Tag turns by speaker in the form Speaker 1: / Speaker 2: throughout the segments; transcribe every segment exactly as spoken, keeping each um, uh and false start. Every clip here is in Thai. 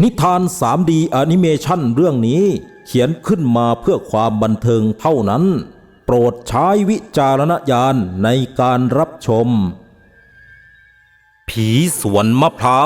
Speaker 1: นิทาน ทรี ดี แอนิเมชันเรื่องนี้เขียนขึ้นมาเพื่อความบันเทิงเท่านั้นโปรดใช้วิจารณญาณในการรับชมผีสวนมะพร้าว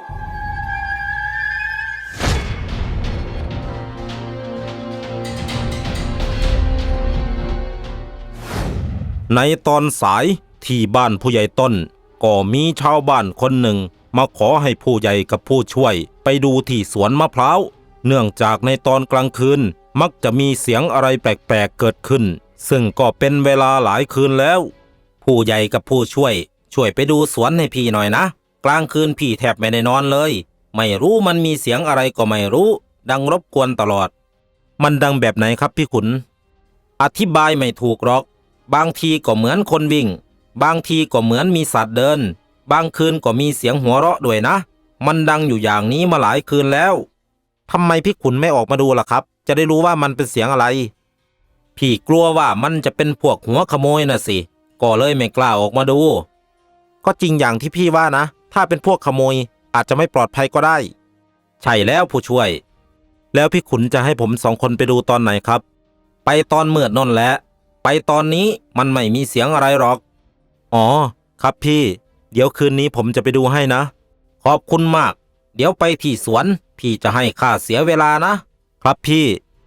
Speaker 1: ในตอนสายที่บ้านผู้ใหญ่ต้นก็มีชาวบ้านคนหนึ่งมาขอให้ผู้ใหญ่กับผู้ช่วยไปดูที่สวนมะพร้าวเนื่องจากในตอนกลางคืนมักจะมีเสียงอะไรแปลกๆเกิดขึ้นซึ่งก็เป็นเวลาหลายคืนแล้วผู้ใหญ่กับผู้ช่วยช่วยไปดูสวนให้พี่หน่อยนะกลางคืนพี่แทบไม่ได้นอนเลยไม่รู้มันมีเสียงอะไรก็ไม่รู้ดังรบกวนตลอดมันดังแบบไหนครับพี่ขุนอธิบายไม่ถูกหรอกบางทีก็เหมือนคนวิ่งบางทีก็เหมือนมีสัตว์เดินบางคืนก็มีเสียงหัวเราะด้วยนะมันดังอยู่อย่างนี้มาหลายคืนแล้วทำไมพี่ขุนไม่ออกมาดูล่ะครับจะได้รู้ว่ามันเป็นเสียงอะไรพี่กลัวว่ามันจะเป็นพวกหัวขโมยน่ะสิก็เลยไม่กล้าออกมาดูก็จริงอย่างที่พี่ว่านะถ้าเป็นพวกขโมยอาจจะไม่ปลอดภัยก็ได้ใช่แล้วผู้ช่วยแล้วพี่ขุนจะให้ผมสองคนไปดูตอนไหนครับไปตอนมืดนั่นแหละไปตอนนี้มันไม่มีเสียงอะไรหรอกอ๋อครับพี่เดี๋ยวคืนนี้ผมจะไปดูให้นะขอบคุณมากเดี๋ยวไปที่สวนพี่จะให้ค่าเสียเวลานะครับพี่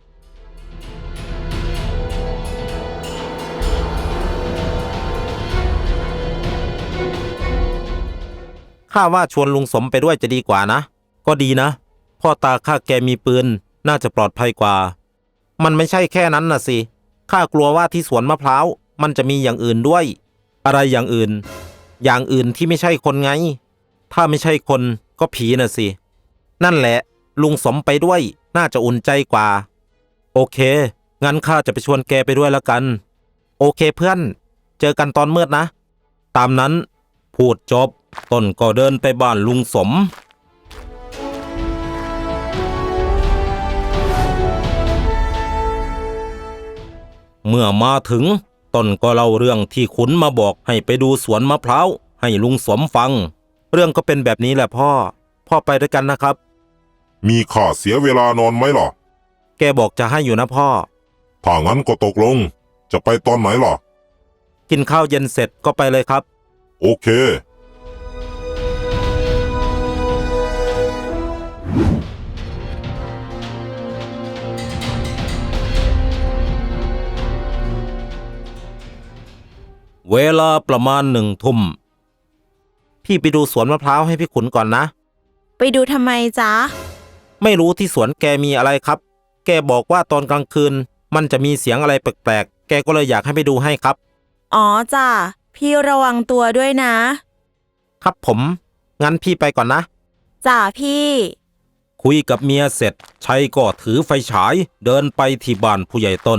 Speaker 1: ข้าว่าชวนลุงสมไปด้วยจะดีกว่านะก็ดีนะพ่อตาข้าแกมีปืนน่าจะปลอดภัยกว่ามันไม่ใช่แค่นั้นน่ะสิข้ากลัวว่าที่สวนมะพร้าวมันจะมีอย่างอื่นด้วยอะไรอย่างอื่นอย่างอื่นที่ไม่ใช่คนไงถ้าไม่ใช่คนก็ผีน่ะสินั่นแหละลุงสมไปด้วยน่าจะอุ่นใจกว่าโอเคงั้นข้าจะไปชวนแกไปด้วยแล้วกันโอเคเพื่อนเจอกันตอนมืดนะตามนั้นพูดจบต้นก็เดินไปบ้านลุงสมเมื่อมาถึงต้นก็เล่าเรื่องที่ขุนมาบอกให้ไปดูสวนมะพร้าวให้ลุงสมฟังเรื่องก็เป็นแบบนี้แหละพ่อพ่อไปด้วยกันนะครับ
Speaker 2: มีค่าเสียเวลานอนไหมล่ะ
Speaker 1: แกบอกจะให้อยู่นะพ่อ
Speaker 2: ถ้างั้นก็ตกลงจะไปตอนไหนล่ะ
Speaker 1: กินข้าวเย็นเสร็จก็ไปเลยครับ
Speaker 2: โอเค
Speaker 1: เวลาประมาณหนึ่งทุ่มพี่ไปดูสวนมะพร้าวให้พี่ขุนก่อนนะ
Speaker 3: ไปดูทำไมจ๊ะ
Speaker 1: ไม่รู้ที่สวนแกมีอะไรครับแกบอกว่าตอนกลางคืนมันจะมีเสียงอะไรแปลกๆแกก็เลยอยากให้ไปดูให้ครับ
Speaker 3: อ๋อจ้ะพี่ระวังตัวด้วยนะครับ
Speaker 1: ผมงั้นพี่ไปก่อนนะ
Speaker 3: จ้ะพี่
Speaker 1: คุยกับเมียเสร็จชัยก็ถือไฟฉายเดินไปที่บ้านผู้ใหญ่ต้น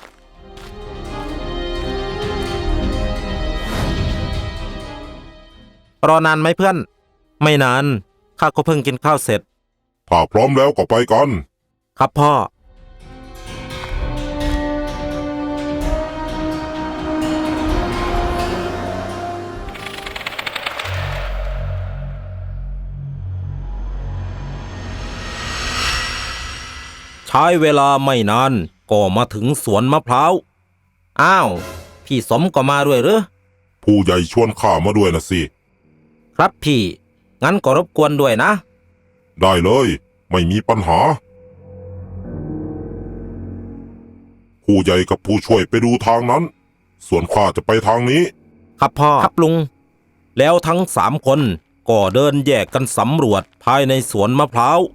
Speaker 1: รอนานไหมเพื่อนไม่นานข้าก็เพิ่งกินข้าวเสร็จ
Speaker 2: ถ้าพร้อมแล้วก็ไปกัน
Speaker 1: ครับพ่อใช้เวลาไม่นานก็มาถึงสวนมะพร้าวอ้าวพี่สมก็มาด้วยหรือ
Speaker 2: ผู้ใหญ่ชวนข้ามาด้วยนะสิ
Speaker 1: ครับพี่งั้นก็รบกวนด้วยนะ
Speaker 2: ได้เลยไม่มีปัญหาผู้ใหญ่กับผู้ช่วยไปดูทางนั้นส่วนข้าจะไปทางนี้
Speaker 1: ครับพ่อครับลุงแล้วทั้งสามคนก็เดินแยกกันสำรวจภายในสวนมะพร้าว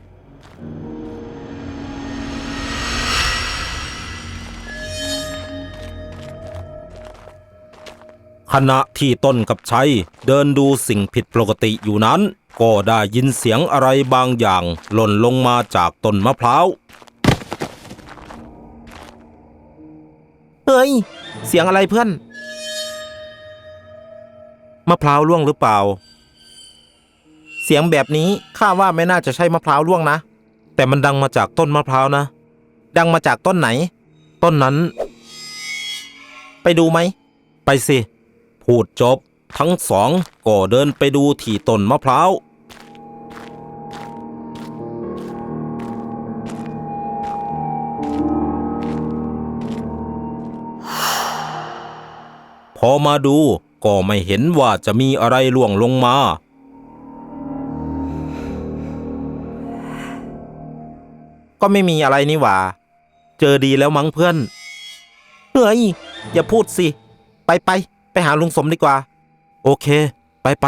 Speaker 1: ขณะที่ต้นกับชัยเดินดูสิ่งผิดปกติอยู่นั้นก็ได้ยินเสียงอะไรบางอย่างหล่นลงมาจากต้นมะพร้าวเฮ้ยเสียงอะไรเพื่อนมะพร้าวร่วงหรือเปล่าเสียงแบบนี้ข้าว่าไม่น่าจะใช่มะพร้าวร่วงนะแต่มันดังมาจากต้นมะพร้าวนะดังมาจากต้นไหนต้นนั้นไปดูไหมไปสิพูดจบทั้งสองก็เดินไปดูที่ต้นมะพร้าวมาดูก็ไม่เห็นว่าจะมีอะไรล่วงลงมาก็ไม่มีอะไรนี่หว่าเจอดีแล้วมั้งเพื่อนเฮ้ยอย่าพูดสิไปไปไปหาลุงสมดีกว่าโอเคไปไป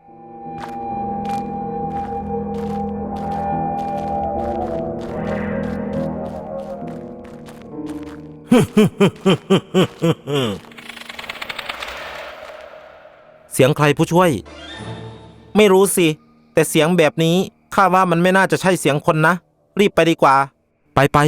Speaker 1: เสียงใครผู้ช่วยไม่รู้สิแต่เสียงแบบนี้ข้าว่ามันไม่น่าจะใช่เสียงคนนะรีบไปดีกว่าไปไป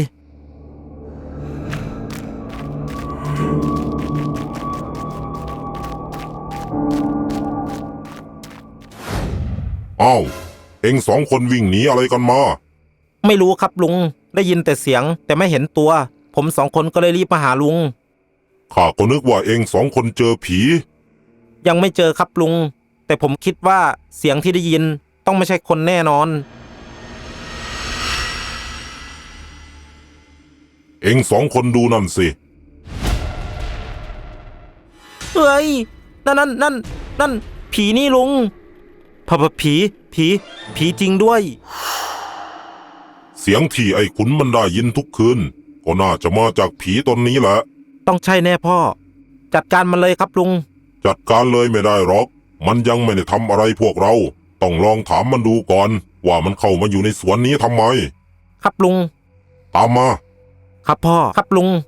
Speaker 2: อ้าวเอ็งสองคนวิ่งหนีอะไรกันมา
Speaker 1: ไม่รู้ครับลุงได้ยินแต่เสียงแต่ไม่เห็นตัวผมสองคนก็เลยรีบมาหาลุง
Speaker 2: ข้าก็นึกว่าเอ็งสองคนเจอผี
Speaker 1: ยังไม่เจอครับลุงแต่ผมคิดว่าเสียงที่ได้ยินต้องไม่ใช่คนแน่นอน
Speaker 2: เอ็งสองคนดูนั่นสิ
Speaker 1: เฮ้ยนั่นนั่นนั่นนั่นผีนี่ลุงพะพะผีผีผีจริงด้วย
Speaker 2: เสียงที่ไอ้ขุนมันได้ยินทุกคืนก็น่าจะมาจากผีตนนี้แหละ
Speaker 1: ต้องใช่แน่พ่อจัดการมันเลยครับลุง
Speaker 2: จัดการเลยไม่ได้หรอกมันยังไม่ได้ทำอะไรพวกเราต้องลองถามมันดูก่อนว่ามันเข้ามาอยู่ในสวนนี้ทำไม
Speaker 1: ครับลุง
Speaker 2: ตามมา
Speaker 1: ครับพ่อครับลุง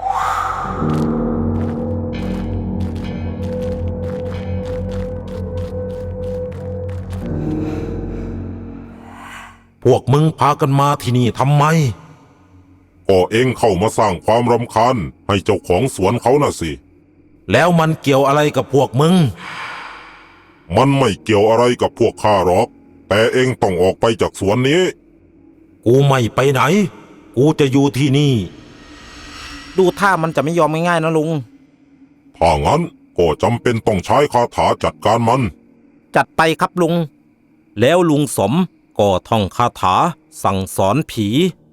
Speaker 1: พวกมึงพากันมาที่นี่ทำไม
Speaker 2: ก็เองเข้ามาสร้างความรำคาญให้เจ้าของสวนเขาน่ะสิ
Speaker 1: แล้วมันเกี่ยวอะไรกับพวกมึง
Speaker 2: มันไม่เกี่ยวอะไรกับพวกข้าหรอกแต่เองต้องออกไปจากสวนนี้
Speaker 1: กูไม่ไปไหนกูจะอยู่ที่นี่ดูท่ามันจะไม่ยอมง่ายๆนะลุง
Speaker 2: ถ้างั้นก็จำเป็นต้องใช้คาถาจัดการมัน
Speaker 1: จัดไปครับลุงแล้วลุงสมก็ท่องคาถาสั่งสอนผี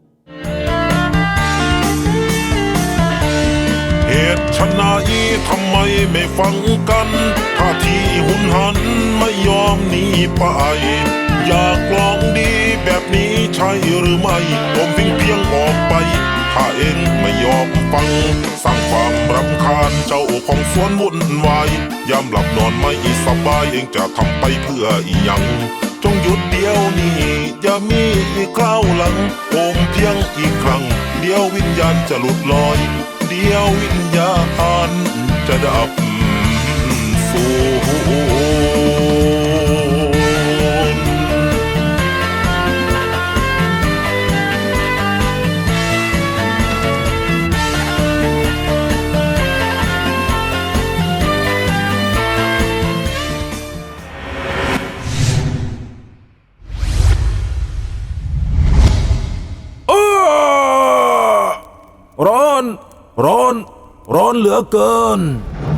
Speaker 2: เหตุชนะอีทำไมไม่ฟังกันท่าทีหุนหันไม่ยอมหนีไปอยากลองดีแบบนี้ใช่หรือไม่ผมเพียงเพียงออกไปถ้าเองไม่ยอมฟังสร้างความรำคาญเจ้าของสวนวุ่นวายยามหลับนอนไม่สบายเองจะทำไปเพื่ออีหยังจงหยุดเดียวนี้อย่ามีอีกคราวหลังโอมเพียงอีกครั้งเดียววิญญาณจะหลุดลอยเดียววิญญาณจะดับสู
Speaker 1: ร้อนร้อนร้อนเหลือเกิน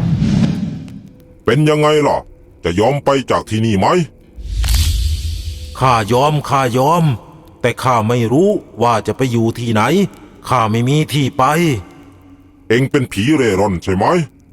Speaker 2: เป็นยังไงล่ะจะยอมไปจากที่นี่ไหม
Speaker 1: ข้ายอมข้ายอมแต่ข้าไม่รู้ว่าจะไปอยู่ที่ไหนข้าไม่มีที่ไป
Speaker 2: เอ็งเป็นผีเร่ร่อนใช่ไหม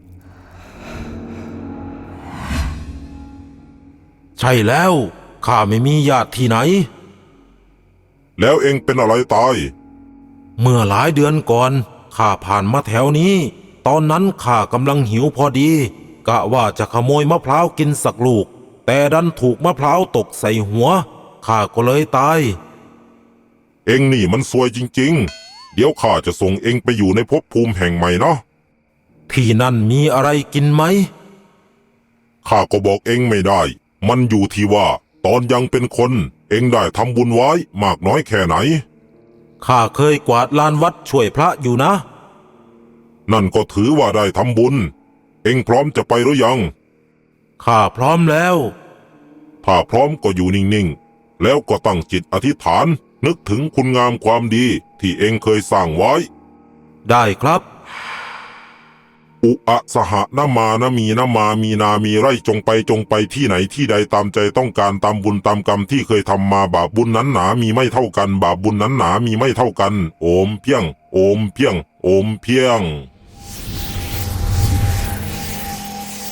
Speaker 1: ใช่แล้วข้าไม่มีญาติที่ไหน
Speaker 2: แล้วเอ็งเป็นอะไรตาย
Speaker 1: เมื่อหลายเดือนก่อนข้าผ่านมาแถวนี้ตอนนั้นข้ากำลังหิวพอดีกะว่าจะขโมยมะพร้าวกินสักลูกแต่ดันถูกมะพร้าวตกใส่หัวข้าก็เลยตาย
Speaker 2: เอ็งนี่มันซวยจริงๆเดี๋ยวข้าจะส่งเอ็งไปอยู่ในภพภูมิแห่งใหม่นะ
Speaker 1: ที่นั่นมีอะไรกินไหม
Speaker 2: ข้าก็บอกเอ็งไม่ได้มันอยู่ที่ว่าตอนยังเป็นคนเอ็งได้ทำบุญไว้มากน้อยแค่ไหน
Speaker 1: ข้าเคยกวาดลานวัดช่วยพระอยู่นะ
Speaker 2: นั่นก็ถือว่าได้ทำบุญเอ็งพร้อมจะไปหรือยัง
Speaker 1: ข้าพร้อมแล้ว
Speaker 2: ถ้าพร้อมก็อยู่นิ่งๆแล้วก็ตั้งจิตอธิษฐานนึกถึงคุณงามความดีที่เอ็งเคยสร้างไว้
Speaker 1: ได้ครับ
Speaker 2: อุอะสหนามานะมีนามามีนามีไรจงไปจงไปที่ไหนที่ใดตามใจต้องการตามบุญตามกรรมที่เคยทำมาบาปบุญนั้นหนามีไม่เท่ากันบาปบุญนั้นหนามีไม่เท่ากันโอมเพียงโอมเพียงโอมเพียง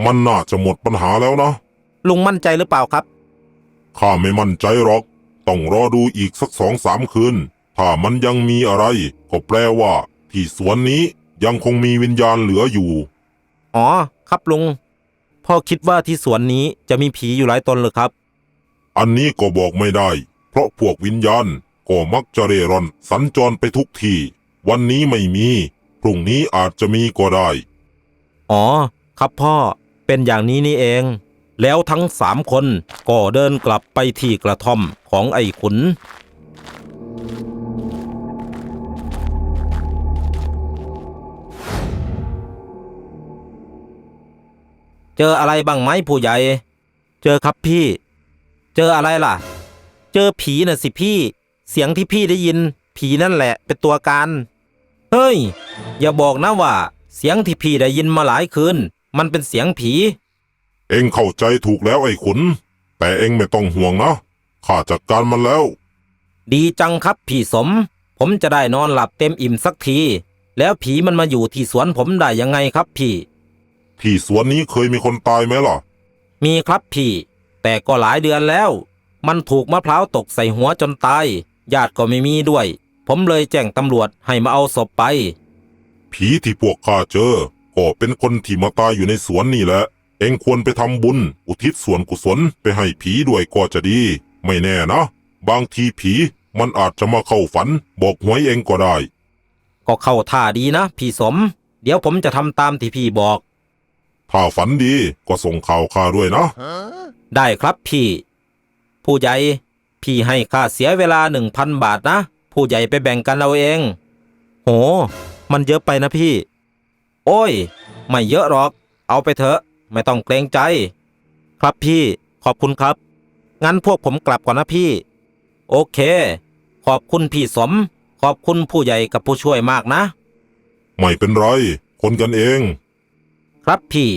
Speaker 2: มันน่าจะหมดปัญหาแล้วนะ
Speaker 1: ลุงมั่นใจหรือเปล่าครับ
Speaker 2: ข้าไม่มั่นใจหรอกต้องรอดูอีกสักสองสามคืนถ้ามันยังมีอะไรก็แปลว่าที่สวนนี้ยังคงมีวิญญาณเหลืออยู่
Speaker 1: อ๋อครับลุงพ่อคิดว่าที่สวนนี้จะมีผีอยู่หลายตนหรือครับ
Speaker 2: อันนี้ก็บอกไม่ได้เพราะพวกวิญญาณก็มักจะเร่ร่อนสัญจรไปทุกที่วันนี้ไม่มีพรุ่งนี้อาจจะมีก็ได้
Speaker 1: อ๋อครับพ่อเป็นอย่างนี้นี่เอง แล้วทั้งสามคนก็เดินกลับไปที่กระท่อมของไอ้ขุนเจออะไรบ้างไหมผู้ใหญ่เจอครับพี่เจออะไรล่ะเจอผีน่ะสิพี่เสียงที่พี่ได้ยินผีนั่นแหละเป็นตัวการเฮ้ยอย่าบอกนะว่าเสียงที่พี่ได้ยินมาหลายคืนมันเป็นเสียงผี
Speaker 2: เอ็งเข้าใจถูกแล้วไอ้ขุนแต่เอ็งไม่ต้องห่วงนะข้าจัดการมันแล้ว
Speaker 1: ดีจังครับพี่สมผมจะได้นอนหลับเต็มอิ่มสักทีแล้วผีมันมาอยู่ที่สวนผมได้ยังไงครับพี่
Speaker 2: ที่สวนนี้เคยมีคนตายไหมล่ะ
Speaker 1: มีครับพี่แต่ก็หลายเดือนแล้วมันถูกมะพร้าวตกใส่หัวจนตายญาติก็ไม่มีด้วยผมเลยแจ้งตำรวจให้มาเอาศพไป
Speaker 2: ผีที่พวกข้าเจอก็เป็นคนที่มาตายอยู่ในสวนนี่แหละเอ็งควรไปทำบุญอุทิศส่วนกุศลไปให้ผีด้วยก็จะดีไม่แน่นะบางทีผีมันอาจจะมาเข้าฝันบอกหวยเอ็งก็ได้
Speaker 1: ก็เข้าท่าดีนะพี่สมเดี๋ยวผมจะทำตามที่พี่บอก
Speaker 2: ถ้าฝันดีก็ส่งข่าวข้าด้วยนะ
Speaker 1: ได้ครับพี่ผู้ใหญ่พี่ให้ค่าเสียเวลาหนึ่งพันบาทนะผู้ใหญ่ไปแบ่งกันเอาเองโหมันเยอะไปนะพี่โอ้ยไม่เยอะหรอกเอาไปเถอะไม่ต้องเกรงใจครับพี่ขอบคุณครับงั้นพวกผมกลับก่อนนะพี่โอเคขอบคุณพี่สมขอบคุณผู้ใหญ่กับผู้ช่วยมากนะ
Speaker 2: ไม่เป็นไรคนกันเอง
Speaker 1: ครับพี่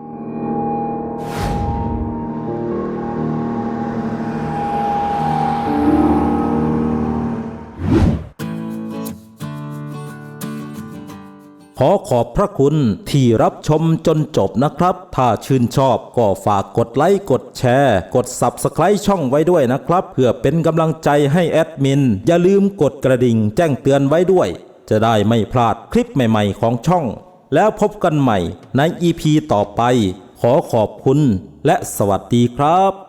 Speaker 1: ขอขอบพระคุณที่รับชมจนจบนะครับถ้าชื่นชอบก็ฝากกดไลค์กดแชร์กด ซับสไครบ์ ช่องไว้ด้วยนะครับเพื่อเป็นกำลังใจให้แอดมินอย่าลืมกดกระดิ่งแจ้งเตือนไว้ด้วยจะได้ไม่พลาดคลิปใหม่ๆของช่องแล้วพบกันใหม่ใน อี พี ต่อไปขอขอบคุณและสวัสดีครับ